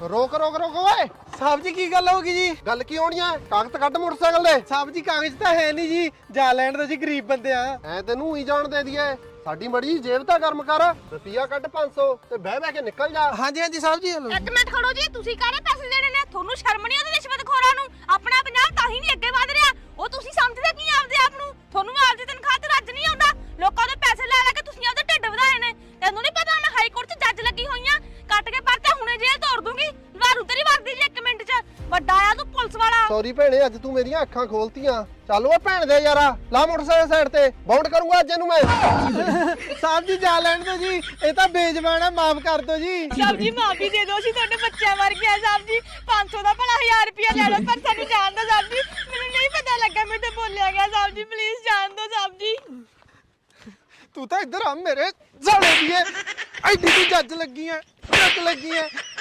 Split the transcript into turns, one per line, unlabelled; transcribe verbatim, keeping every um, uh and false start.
ਰੋਕ ਰੋਕ ਰੋਕ ਓਏ
ਸਾਹਿਬ ਜੀ ਕੀ ਗੱਲ ਹੋ ਗਈ ਜੀ?
ਗੱਲ ਕੀ ਹੋਣੀ ਐ? ਕਾਗਜ਼ ਕੱਢ ਮੋਟਰਸਾਈਕਲ ਦੇ।
ਸਾਹਿਬ ਜੀ ਕਾਗਜ਼ ਤਾਂ ਹੈ ਨਹੀਂ ਜੀ, ਜਾ ਲੈਣ ਦੋ ਜੀ, ਗਰੀਬ ਬੰਦੇ ਆ।
ਐ ਤੈਨੂੰ ਹੀ ਜਾਣ ਦੇ ਦਈਏ, ਸਾਡੀ ਮੜੀ ਜੇਬ ਤਾਂ ਗਰਮ ਕਰ। ਰੁਪਿਆ ਕੱਢ ਪੰਜ ਸੌ ਤੇ ਬਹਿ ਬਹਿ ਕੇ ਨਿਕਲ ਜਾ।
ਹਾਂਜੀ ਹਾਂਜੀ ਸਾਹਿਬ ਜੀ। ਹਲੋ
ਇੱਕ ਮਿੰਟ ਖੜੋ ਜੀ, ਤੁਸੀਂ ਕਾਹਦੇ ਪੈਸੇ ਦੇਣੇ ਨੇ? ਤੁਹਾਨੂੰ ਸ਼ਰਮ ਨਹੀਂ ਆਉਂਦੀ ਰਿਸ਼ਵਤਖੋਰਾਂ ਨੂੰ? ਆਪਣਾ ਪੰਜਾਬ ਤਾਂ ਹੀ ਨਹੀਂ ਅੱਗੇ ਵਧ ਰਿਹਾ। ਉਹ ਤੁਸੀਂ ਸਮਝਦੇ ਕੀ ਆਪਦੇ ਆਪ ਨੂੰ? ਤੁਹਾਨੂੰ ਆਪਦੀ ਤਨਖਾਹ ਤੇ ਰੱਜ ਨਹੀਂ ਆਉਂਦਾ। ਲੋਕਾਂ ਦੇ ਪੈਸੇ ਲੈ ਲੈ ਕੇ ਤੁਸੀਂ ਆਪਦੇ ਢਿੱਡ ਵਧਾਏ ਨੇ। ਤੈਨੂੰ ਨਹੀਂ ਪਤਾ ਮੈਂ ਹਾਈ ਕੋਰਟ 'ਚ ਜੱਜ ਲੱਗੀ ਹੋਈ ਆ। ਕੱਟ ਕੇ ਪਰਚਾ ਹੁਣੇ ਜੇਲ੍ਹ ਤੋੜ ਦੂੰਗੀ। ਵਾਰੂ ਤੇਰੀ ਵਰਦੀ ਜੀ ਇੱਕ ਮਿੰਟ 'ਚ। ਵੱਡਾ ਆ ਤੂੰ ਪੁਲਿਸ ਵਾਲਾ।
ਸੌਰੀ ਭੈਣੇ, ਅੱਜ ਤੂੰ ਮੇਰੀਆਂ ਅੱਖਾਂ ਖੋਲਤੀਆਂ। ਚੱਲ ਓਏ ਭੈਣ ਦੇ ਯਾਰਾ, ਲਾ ਮੋਟਰਸਾਈਕਲ ਸਾਈਡ ਤੇ, ਬਾਉਂਡ ਕਰੂੰਗਾ ਅੱਜ ਇਹਨੂੰ ਮੈਂ।
ਸਾਹਿਬ ਜੀ ਜਾ ਲੈਣ ਦੋ ਜੀ, ਇਹ ਤਾਂ ਬੇਜ਼ਬਾਨ ਆ, ਮਾਫ ਕਰ ਦੋ ਜੀ।
ਸਾਹਿਬ ਜੀ ਮਾਫੀ ਦੇ ਦਿਓ, ਅਸੀਂ ਤੁਹਾਡੇ ਬੱਚਿਆਂ ਵਰਗੇ ਆ ਸਾਹਿਬ ਜੀ। ਪੰਜ ਸੌ ਦਾ ਭਲਾ ਹਜ਼ਾਰ ਰੁਪਇਆ ਲੈ ਲਓ, ਪਰ ਸਾਨੂੰ ਜਾਣ ਦਿਓ ਸਾਹਿਬ ਜੀ। ਮੈਨੂੰ ਨਹੀਂ ਪਤਾ ਲੱਗਾ, ਮੇਰੇ ਤੋਂ ਬੋਲਿਆ ਗਿਆ ਸਾਹਿਬ ਜੀ। ਪਲੀਜ਼ ਜਾਣ ਦਿਓ ਸਾਹਿਬ ਜੀ।
ਤੂੰ ਤਾਂ ਇੱਧਰ ਆ ਮੇਰੇ ਸਾਲੇ ਦੀਏ, ਐਡੀ ਤੂੰ ਜੱਜ ਲੱਗੀ ਐ, ਜੱਜ ਲੱਗੀ ਐ।